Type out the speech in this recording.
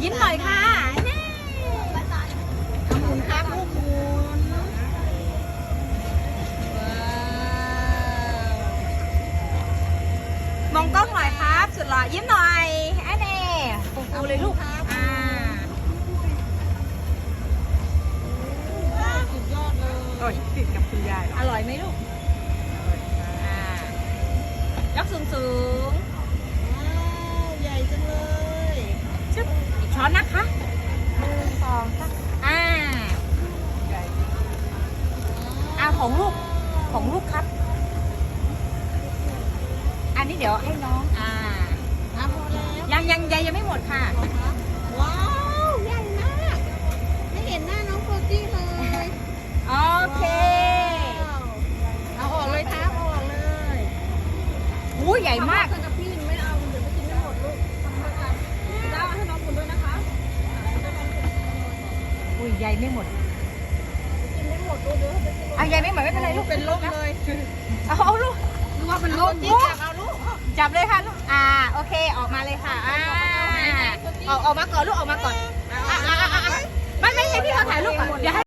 ยิ้มหน่อยค่ะนี่เอาหมุนครับลูกหมุนมองกล้องหน่อยครับสุดหล่อยิ้มหน่อยไอ้เน่ฟูๆเลยลูกสุดยอดเลยโอ้ยติดกับคุณยายอร่อยไหมลูกยกสูงสูงใหญ่จังเลยชึบอีกช้อนนะคะ1 2 3ของลูกครับ อันนี้เดี๋ยวให้น้องน้ำพอแล้วยังไม่หมดค่ะว้าวใหญ่มากไม่เห็นหน้าน้องโฟจี้เลยโอเคเอาออกเลยครับเอาออกเลยอู้ใหญ่มากกับพี่ไม่เอาเดี๋ยวไม่กินไม่หมดลูกทำด้วยกันได้ให้น้องคุณด้วยนะคะอุ้ยใหญ่ไม่หมดกินไม่หมดลูกเดี๋ยวไปกินใหญ่ไม่หมดไม่เป็นไรลูกเป็นลมเลยเอาลูกนึกว่าเป็นลมจิ๊บเอาลูกจับเลยค่ะลูกโอเคออกมาเลยค่ะออกมาก่อนลูกออกมาก่อนไม่ให้พี่เขาถ่ายรูปก่อนเดี๋ยวให้